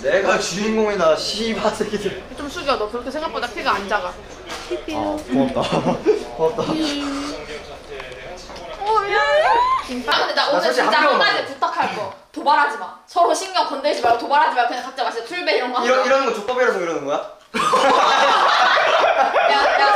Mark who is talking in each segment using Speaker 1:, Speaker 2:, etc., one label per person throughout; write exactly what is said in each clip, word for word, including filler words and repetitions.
Speaker 1: 내가 주인공이다 씨바 새끼들.
Speaker 2: 좀 숙여. 너 그렇게 생각보다 키가 안 작아.
Speaker 1: 아 고맙다. 고맙다.
Speaker 2: 어 미안해.
Speaker 3: 아 근데 나 오늘
Speaker 1: 솔직히
Speaker 3: 진짜
Speaker 1: 한
Speaker 3: 한
Speaker 1: 명만
Speaker 3: 가지 부탁할 거. 도발하지 마. 서로 신경 건들지 말고 도발하지 말고 그냥 각자 마시자. 풀배 이런 거 하자.
Speaker 1: 이런 이런 거 족밥이라서 이러는 거야?
Speaker 3: 야야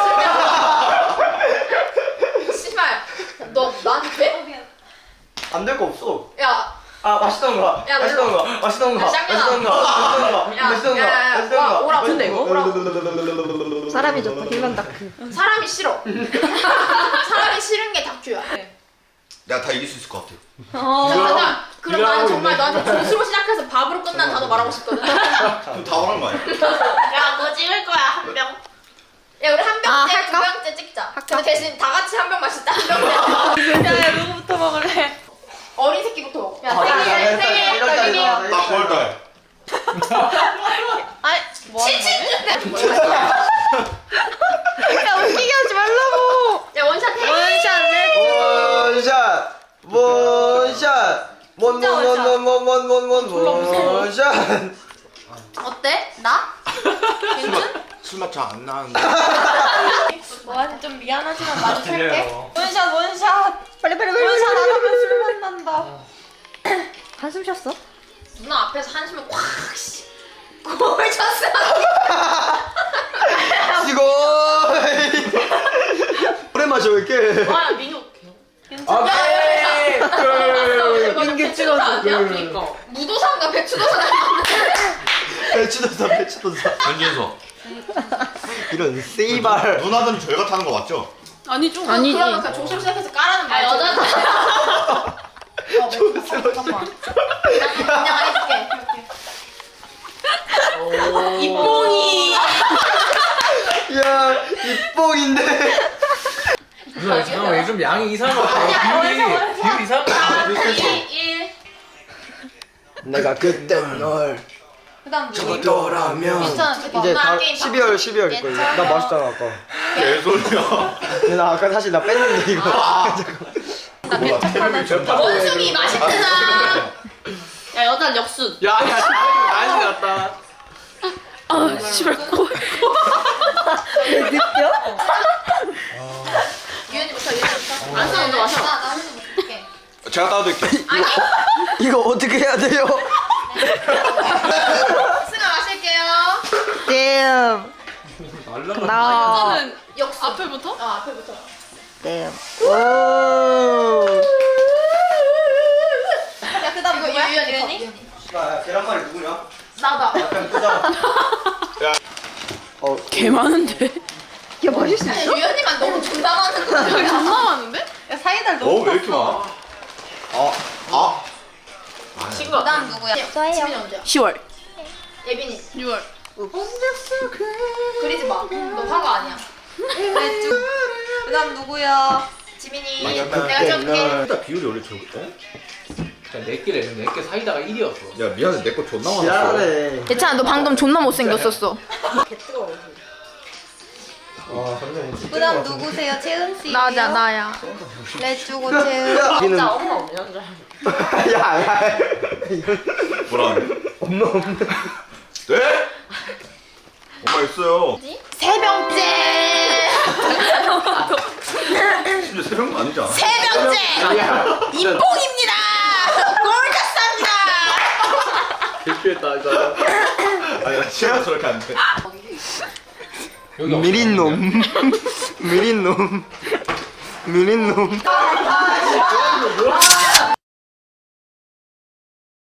Speaker 3: 술배. 씨발. 너 나한테 돼?
Speaker 1: 안 될 거 없어.
Speaker 3: 야.
Speaker 1: 아 맛있던가.
Speaker 3: 야,
Speaker 1: 맛있던가.
Speaker 3: 야,
Speaker 1: 맛있던가.
Speaker 3: 쌍년아.
Speaker 1: 맛있던가. 맛있던가.
Speaker 3: 야,
Speaker 1: 맛있던가.
Speaker 3: 야, 야, 야,
Speaker 1: 맛있던가.
Speaker 3: 와, 오라고. 근데 이거 오라고.
Speaker 2: 사람이 좋다. 길만 다크.
Speaker 3: 사람이 싫어. 사람이 싫은 게 다큐야.
Speaker 4: 내가 다 이길 수 있을 것 같아.
Speaker 3: 잠깐만. 그럼
Speaker 1: 이거
Speaker 3: 나는
Speaker 1: 하고
Speaker 3: 정말
Speaker 1: 있네.
Speaker 3: 너한테 조수로 시작해서 밥으로 끝난 단어 말하고 싶거든.
Speaker 4: 그럼 다 말한 거 아니야?
Speaker 3: 야, 너 찍을 거야 한 병. 야, 우리 한
Speaker 2: 아,
Speaker 3: 병째,
Speaker 2: 할까?
Speaker 3: 두 병째 찍자. 근데 대신 다 같이 한 병 마시자. 한 병째.
Speaker 2: 야 누구부터 먹을래?
Speaker 3: 어린 새끼부터 먹어. 야,
Speaker 1: 아, 나, 나,
Speaker 3: 생일,
Speaker 1: 나,
Speaker 3: 생일,
Speaker 1: 나, 나,
Speaker 3: 생일.
Speaker 1: 나, 나, 나,
Speaker 4: 나 구월달.
Speaker 2: 아니 뭐 하는 거지?
Speaker 3: 칠칠.
Speaker 2: 야 웃기게 하지 말라고.
Speaker 3: 야, 원샷 해.
Speaker 2: 원샷 렛.
Speaker 1: 원샷. 원샷. 원원원원원원원원 원샷.
Speaker 3: 어때? 나?
Speaker 4: 술맛 잘 안 나는데.
Speaker 2: 너한테 좀 미안하지만 마주칠게. 원샷 원샷. 빨리 빨리 빨리. 원샷 안 하면 술만 난다. 한숨 쉬었어?
Speaker 3: 누나 앞에서 한숨을 콱 씨. 골 쳤어.
Speaker 1: 이거. 오래 마셔 왜 이렇게?
Speaker 3: 아, 민호.
Speaker 1: 아,
Speaker 3: 민규 찍어줘. 그니까. 무도사인가 배추도사 닮았네.
Speaker 1: 배추도사 배추도사.
Speaker 4: 현진서.
Speaker 1: 이런 씨발.
Speaker 4: 누나들은 저희가 타는 거 맞죠?
Speaker 2: 아니죠.
Speaker 3: 그러면 그냥 조심 시작해서 까라는 말. 여자들. 어, 잠깐만. 그냥 해줄게.
Speaker 2: 이뽕이.
Speaker 1: 야 이뽕인데.
Speaker 5: 누나 잠깐만 요즘 양이 이상한 거 같아. 비율이 비율 이상한 거 같아.
Speaker 3: 일, 일.
Speaker 1: 내가 그때 널
Speaker 3: 그다음 누구?
Speaker 1: 저더라면
Speaker 3: 괜찮아.
Speaker 1: 이제
Speaker 3: 나
Speaker 1: 다
Speaker 3: 게임
Speaker 1: 십이월 십이월일 거야. 나 맛있잖아 아까.
Speaker 4: 개소리야.
Speaker 1: 근데 나 아까 사실 나 뺐는데 이거.
Speaker 2: 나 배척 하나 줘.
Speaker 3: 원숭이 맛있잖아. 야, 여자 역순.
Speaker 5: 야야 난리 났다.
Speaker 2: 아 씨발 코.
Speaker 3: 유연이부터 유연이부터. 안 써, 먼저 마셔. 나, 나 먼저 먹을게.
Speaker 4: 제가 따드릴게요.
Speaker 3: 아니?
Speaker 1: 이거 어떻게 해야 돼요?
Speaker 3: 승아 마실게요.
Speaker 2: damn. 나.
Speaker 3: 저는 역순. 앞에부터? 어, 앞에부터.
Speaker 2: damn.
Speaker 1: 오.
Speaker 3: 야, 그다음 누구야? 유연이. 유연이?
Speaker 1: 야 계란말이 누구냐?
Speaker 3: 나다.
Speaker 1: 약간 끄자. 어
Speaker 2: 개 많은데. 야 맛있어.
Speaker 3: 아니, 유연이만 너무 존나 많은 거야.
Speaker 2: 존나 많은데? 야 사이다를
Speaker 4: 어, 왜 이렇게 많아? 아, 아.
Speaker 3: 친구. 그다음 누구야? 지민이 언제야?
Speaker 2: 시월.
Speaker 3: 예빈이.
Speaker 2: 유월.
Speaker 3: 그리지 마. 너 화가 아니야. 그래, 쭉.
Speaker 2: 그다음 누구야?
Speaker 3: 지민이. 내가 찍을게.
Speaker 4: 일단 비율이 원래 저거. 어?
Speaker 5: 그냥 네 개래. 네개 사이다가 일이었어.
Speaker 4: 야 미안해 내 거 존나 많았어.
Speaker 1: 지랄해.
Speaker 2: 괜찮아 너 방금 존나 못생겼었어.
Speaker 1: 와 선생님 진짜
Speaker 6: 그다음 누구세요? 채은 씨.
Speaker 2: 나자 나야.
Speaker 6: 레주고 채은.
Speaker 1: 여기는
Speaker 3: 엄마 없냐?
Speaker 1: 야야 이건
Speaker 4: 뭐라?
Speaker 1: 없노 없노.
Speaker 4: 네? 엄마 있어요.
Speaker 3: 세 병째.
Speaker 4: 심지어 세 명도 아니잖아.
Speaker 3: 세 병째. 이뽕입니다. 골카스입니다.
Speaker 5: 대피했다 이거.
Speaker 4: 아니 나 취해서 저렇게 안 돼.
Speaker 5: 여기
Speaker 1: 미린 놈. 미린 놈. 미린 놈.